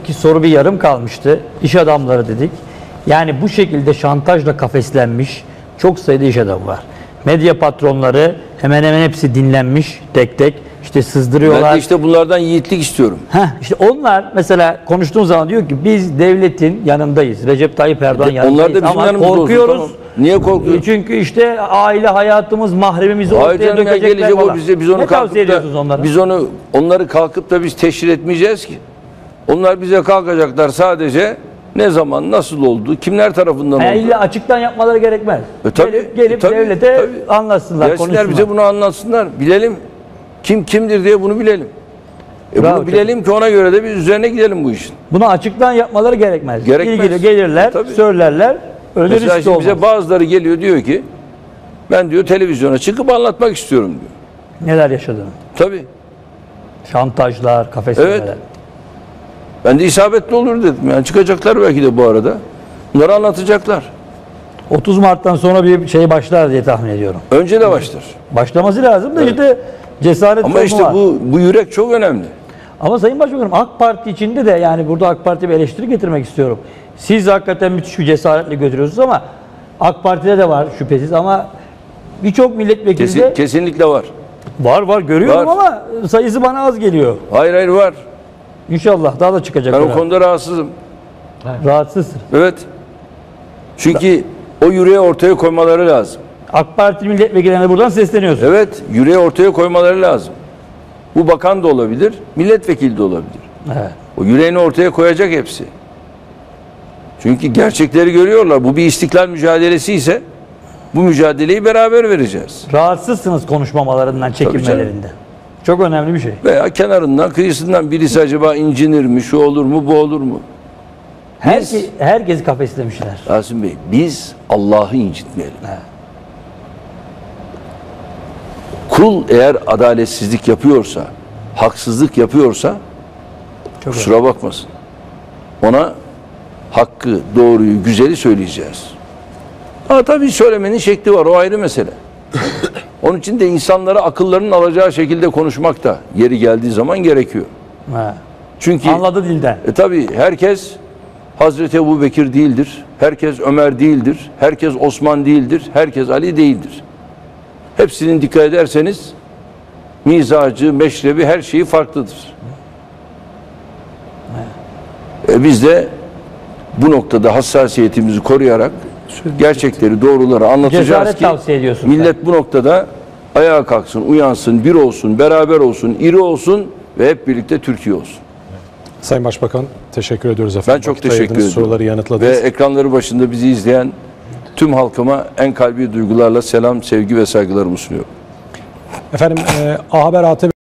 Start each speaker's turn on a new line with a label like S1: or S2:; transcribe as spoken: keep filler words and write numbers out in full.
S1: deminki soru bir yarım kalmıştı. İş adamları dedik. Yani bu şekilde şantajla kafeslenmiş çok sayıda iş adamı var. Medya patronları hemen hemen hepsi dinlenmiş tek tek. İşte sızdırıyorlar.
S2: Ben de işte bunlardan yiğitlik istiyorum.
S1: Heh, işte onlar mesela konuştuğun zaman diyor ki biz devletin yanındayız. Recep Tayyip Erdoğan yanındayız.
S2: Onlar da bizim
S1: ama
S2: yanımızda
S1: korkuyoruz.
S2: olsun, tamam. Niye korkuyoruz?
S1: Çünkü işte aile hayatımız, mahremimizi ortaya
S2: Hayır canım ya,
S1: dökecekler
S2: gelecek
S1: falan.
S2: o bize, biz onu
S1: Ne tavsiye
S2: kalkıp da,
S1: ediyorsunuz onlara?
S2: biz onu onları kalkıp da biz teşhir etmeyeceğiz ki. Onlar bize kalkacaklar sadece ne zaman, nasıl oldu, kimler tarafından
S1: Yani
S2: oldu.
S1: illa açıktan yapmaları gerekmez.
S2: E, tabii,
S1: gelip gelip
S2: e, tabii,
S1: devlete
S2: tabii.
S1: anlatsınlar,
S2: Gelsinler
S1: konuşsunlar.
S2: bize bunu anlatsınlar. Bilelim. Kim kimdir diye bunu bilelim. E
S1: Bravo,
S2: bunu bilelim ki ona göre de biz üzerine gidelim bu işin.
S1: Bunu açıktan yapmaları gerekmez.
S2: Gerekmez.
S1: İlgili gelirler,
S2: Tabii.
S1: söylerler. Öyle
S2: Mesela
S1: risk
S2: şimdi
S1: olmaz.
S2: bize bazıları geliyor diyor ki ben diyor televizyona çıkıp anlatmak istiyorum diyor.
S1: Neler yaşadığını.
S2: Tabii.
S1: Şantajlar, kafeslemeler.
S2: Evet. Ben de isabetli olur dedim. Yani çıkacaklar belki de bu arada. Bunları anlatacaklar.
S1: otuz Mart'tan sonra bir şey başlar diye tahmin ediyorum.
S2: Önce de başlar.
S1: Başlaması lazım da
S2: Evet.
S1: işte cesaret
S2: Ama
S1: sorunu
S2: işte
S1: var.
S2: bu bu yürek çok önemli.
S1: Ama Sayın Başbakanım AK Parti içinde de yani burada AK Parti'ye bir eleştiri getirmek istiyorum. Siz hakikaten müthiş bir cesaretle götürüyorsunuz ama AK Parti'de de var şüphesiz ama birçok milletvekili
S2: Kesin,
S1: de
S2: kesinlikle var.
S1: var var görüyorum
S2: Var.
S1: ama sayısı bana az geliyor.
S2: Hayır hayır var.
S1: İnşallah daha da çıkacak.
S2: Ben o
S1: herhalde.
S2: konuda rahatsızım.
S1: Rahatsızsın.
S2: Evet. Çünkü o yüreği ortaya koymaları lazım.
S1: AK Parti milletvekillerine buradan sesleniyorsun.
S2: Evet, yüreği ortaya koymaları lazım. Bu bakan da olabilir, milletvekili de olabilir.
S1: Evet.
S2: O yüreğini ortaya koyacak hepsi. Çünkü gerçekleri görüyorlar. Bu bir istiklal mücadelesi ise bu mücadeleyi beraber vereceğiz.
S1: Rahatsızsınız konuşmamalarından, çekinmelerinden. Çok önemli bir şey.
S2: Veya kenarından, kıyısından birisi acaba incinir mi, şu olur mu, bu olur mu?
S1: Herke, herkesi kafeslemişler.
S2: Rasim Bey, biz Allah'ı incitmeyelim.
S1: Evet.
S2: Kul eğer adaletsizlik yapıyorsa, haksızlık yapıyorsa
S1: Çok
S2: kusura bakmasın. Ona hakkı, doğruyu, güzeli söyleyeceğiz. Ha tabii söylemenin şekli var, o ayrı mesele. Onun için de insanlara akıllarının alacağı şekilde konuşmak da yeri geldiği zaman gerekiyor.
S1: Evet.
S2: Çünkü
S1: Anladı dilden.
S2: e, tabii herkes Hazreti Ebubekir değildir, herkes Ömer değildir, herkes Osman değildir, herkes Ali değildir. Hepsinin dikkat ederseniz mizacı, meşrebi, her şeyi farklıdır. E, biz de bu noktada hassasiyetimizi koruyarak gerçekleri, doğruları anlatacağız
S1: Cesaret
S2: ki
S1: tavsiye ediyorsun
S2: millet
S1: sen.
S2: bu noktada ayağa kalksın, uyansın, bir olsun, beraber olsun, iri olsun ve hep birlikte Türkiye olsun.
S3: Sayın Başbakan teşekkür ediyoruz efendim.
S2: Ben çok
S3: Vakit
S2: teşekkür
S3: ayırdınız,
S2: ediyorum.
S3: Soruları
S2: Ve
S3: yanıtladınız.
S2: ekranları başında bizi izleyen tüm halkıma en kalbi duygularla selam, sevgi ve saygılarımı sunuyorum.
S3: Efendim e, A Haber A T V